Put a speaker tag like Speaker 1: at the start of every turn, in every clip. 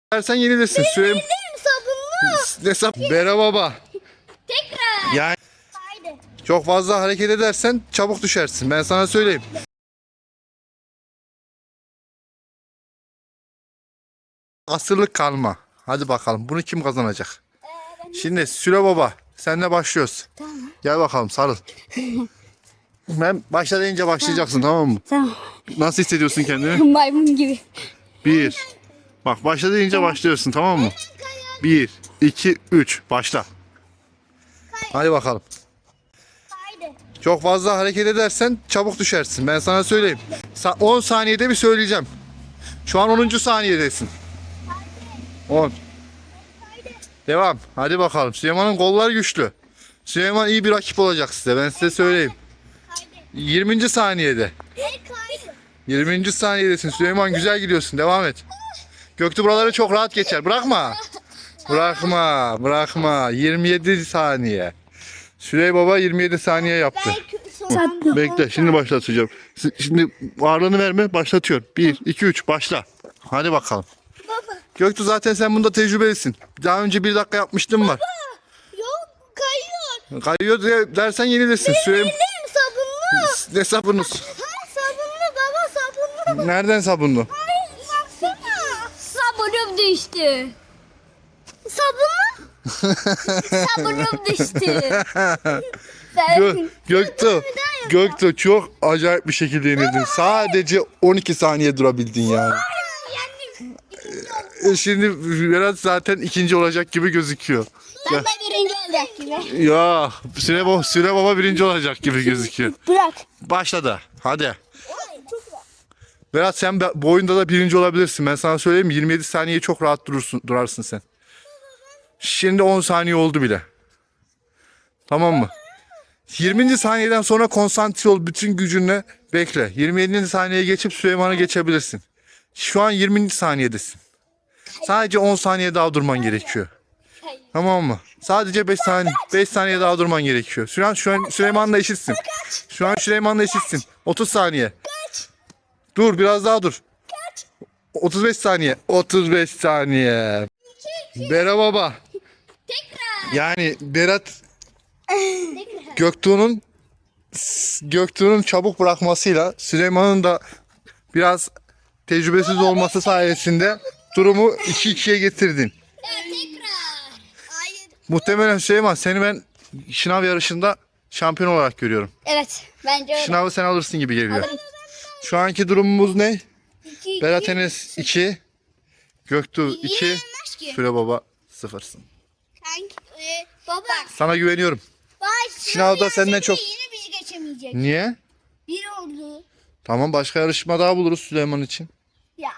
Speaker 1: Dersen yenilirsin.
Speaker 2: Benim sabunlu.
Speaker 1: Ne sap? Bera baba.
Speaker 2: Tekrar.
Speaker 1: Yani
Speaker 2: Haydi.
Speaker 1: çok fazla hareket edersen çabuk düşersin. Ben sana söyleyeyim. Asırlık kalma. Hadi bakalım. Bunu kim kazanacak? Şimdi Süle baba. Seninle başlıyoruz.
Speaker 2: Tamam.
Speaker 1: Gel bakalım sarıl. Ben başla deyince başlayacaksın, tamam mı?
Speaker 2: Tamam.
Speaker 1: Nasıl hissediyorsun kendini?
Speaker 2: Maymun gibi.
Speaker 1: 1. Bak başla deyince başlıyorsun, tamam mı? 1, 2, 3. Başla. Hadi bakalım.
Speaker 2: Haydi.
Speaker 1: Çok fazla hareket edersen çabuk düşersin. Ben sana söyleyeyim. 10 saniyede bir söyleyeceğim. Şu an 10. saniyedesin. 10. Devam. Hadi bakalım. Süleyman'ın kolları güçlü. Süleyman iyi bir rakip olacak size. Ben size söyleyeyim. 20. saniyede. 20. saniyedesin. Süleyman güzel gidiyorsun. Devam et. Göktuğ buraları çok rahat geçer. Bırakma. Bırakma. Bırakma. 27 saniye. Süley baba 27 saniye yaptı. Bekle. Şimdi başlatacağım. Şimdi ağırlığını verme. Başlatıyor. 1, 2, 3. Başla. Hadi bakalım. Göktuğ zaten sen bunda tecrübelisin. Daha önce 1 dakika yapmıştım var.
Speaker 2: Yok kayıyor.
Speaker 1: Kayıyor dersen yenilirsin.
Speaker 2: Benim sabunlu.
Speaker 1: Ne sabunu?
Speaker 2: Sabunlu baba sabunlu.
Speaker 1: Nereden sabunlu?
Speaker 2: Baksana. Sabunum düştü. Sabunlu. Sabunum düştü.
Speaker 1: Göktuğ çok acayip bir şekilde yenildin. Sadece 12 saniye durabildin yani. Şimdi Berat zaten ikinci olacak gibi gözüküyor.
Speaker 2: Ben de birinci olacak gibi.
Speaker 1: Ya Süle baba birinci olacak gibi gözüküyor.
Speaker 2: Bırak.
Speaker 1: Başladı. Hadi. Berat sen bu oyunda da birinci olabilirsin. Ben sana söyleyeyim, 27 saniye çok rahat durarsın sen. Şimdi 10 saniye oldu bile. Tamam mı? 20. saniyeden sonra konsantre ol, bütün gücünle bekle. 27. saniyeye geçip Süleyman'ı geçebilirsin. Şu an 20. saniyedesin. Sadece 10 saniye daha durman gerekiyor. Tamam mı? Sadece 5 saniye daha durman gerekiyor. Şu an Süleyman'la eşitsin. Şu an Süleyman'la eşitsin. 30 saniye. Dur, biraz daha dur. 35 saniye. 35 saniye. Bera baba. Yani Berat Göktuğ'un çabuk bırakmasıyla Süleyman'ın da biraz tecrübesiz olması sayesinde durumu 2-2'ye getirdin. Muhtemelen Süleyman, seni ben şınav yarışında şampiyon olarak görüyorum.
Speaker 2: Evet bence öyle.
Speaker 1: Şınavı sen alırsın gibi geliyor. Şu anki durumumuz ne? Berat Enes 2, Göktuğ 2, Süle baba 0'sın.
Speaker 2: Baba.
Speaker 1: Sana güveniyorum. Sınavda senden çok...
Speaker 2: Yine bizi geçemeyecek.
Speaker 1: Niye?
Speaker 2: Bir oldu.
Speaker 1: Tamam, başka yarışma daha buluruz Süleyman için.
Speaker 2: Ya.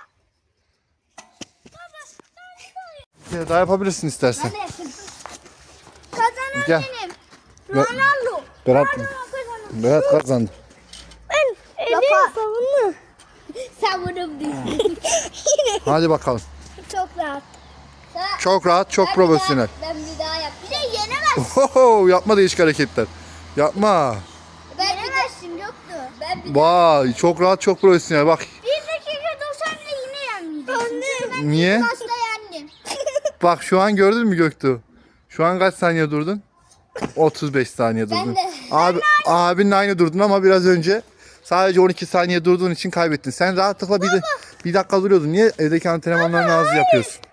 Speaker 1: Ya daha yapabilirsin istersen.
Speaker 2: Ne yapayım? Kazanan
Speaker 1: Gel.
Speaker 2: benim.
Speaker 1: Ve-
Speaker 2: Ronaldo.
Speaker 1: Berat,
Speaker 2: Kazandı.
Speaker 1: Berat kazandı.
Speaker 2: Ben elim savunlu. Savunum değil.
Speaker 1: Hadi bakalım.
Speaker 2: Çok rahat.
Speaker 1: Çok rahat, çok profesyonel.
Speaker 2: Ben bir daha yap. Bir de yenemez.
Speaker 1: Oho, yapma değişik hareketler. Yapma.
Speaker 2: Yenemezsin yoktu. Ben bir
Speaker 1: Vay, çok rahat, çok profesyonel. Bak.
Speaker 2: dakika dursan da yine yenmeyeceksin. Çünkü ben
Speaker 1: Niye?
Speaker 2: ilk başta yendim.
Speaker 1: Bak şu an gördün mü Göktuğ? Şu an kaç saniye durdun? 35 saniye durdun.
Speaker 2: de.
Speaker 1: Abinle aynı durdun ama biraz önce sadece 12 saniye durduğun için kaybettin. Sen rahatlıkla bir dakika duruyordun. Niye evdeki antrenmanlarını az yapıyorsun?